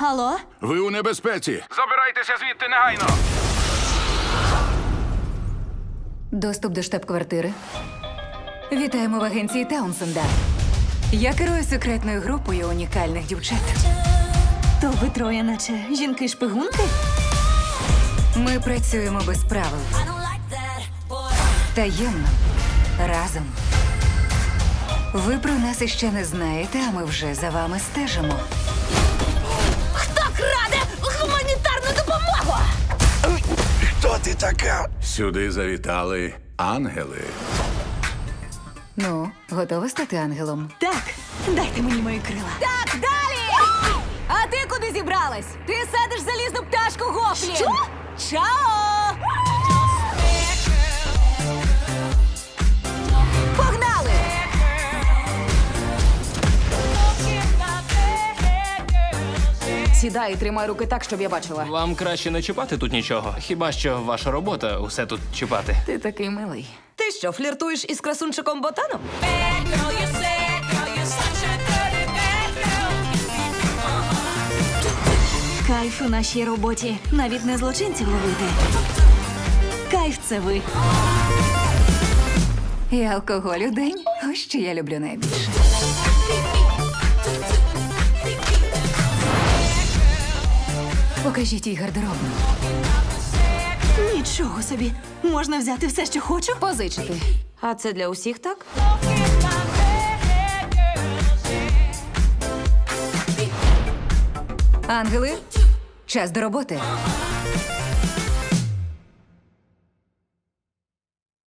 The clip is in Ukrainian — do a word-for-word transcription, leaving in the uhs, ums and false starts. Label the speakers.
Speaker 1: Алло?
Speaker 2: Ви у небезпеці.
Speaker 3: Забирайтеся звідти негайно!
Speaker 4: Доступ до штаб-квартири. Вітаємо в агенції Таунсенда. Я керую секретною групою унікальних дівчат.
Speaker 1: То ви троє, наче жінки-шпигунки?
Speaker 4: Ми працюємо без правил. Таємно. Разом. Ви про нас іще не знаєте, а ми вже за вами стежимо.
Speaker 1: Хто краде гуманітарну допомогу?
Speaker 2: Хто ти така? Сюди завітали ангели.
Speaker 4: Ну, готова стати ангелом?
Speaker 1: Так, дайте мені мої крила.
Speaker 4: Так, далі! А ти куди зібралась? Ти садиш залізну пташку Гофлін!
Speaker 1: Що?
Speaker 4: Чао! Погнали! Сідай і тримай руки так, щоб я бачила.
Speaker 3: Вам краще не чіпати тут нічого. Хіба що ваша робота усе тут чіпати.
Speaker 4: Ти такий милий.
Speaker 1: Ти що, фліртуєш із красунчиком Ботаном? Кайф у нашій роботі. Навіть не злочинців ловити. Кайф це ви.
Speaker 4: І алкоголь у день. Ось що я люблю найбільше. Покажіть їй гардеробну.
Speaker 1: Нічого собі. Можна взяти все, що хочу?
Speaker 4: Позичити.
Speaker 1: А це для усіх так?
Speaker 4: Ангели, час до роботи.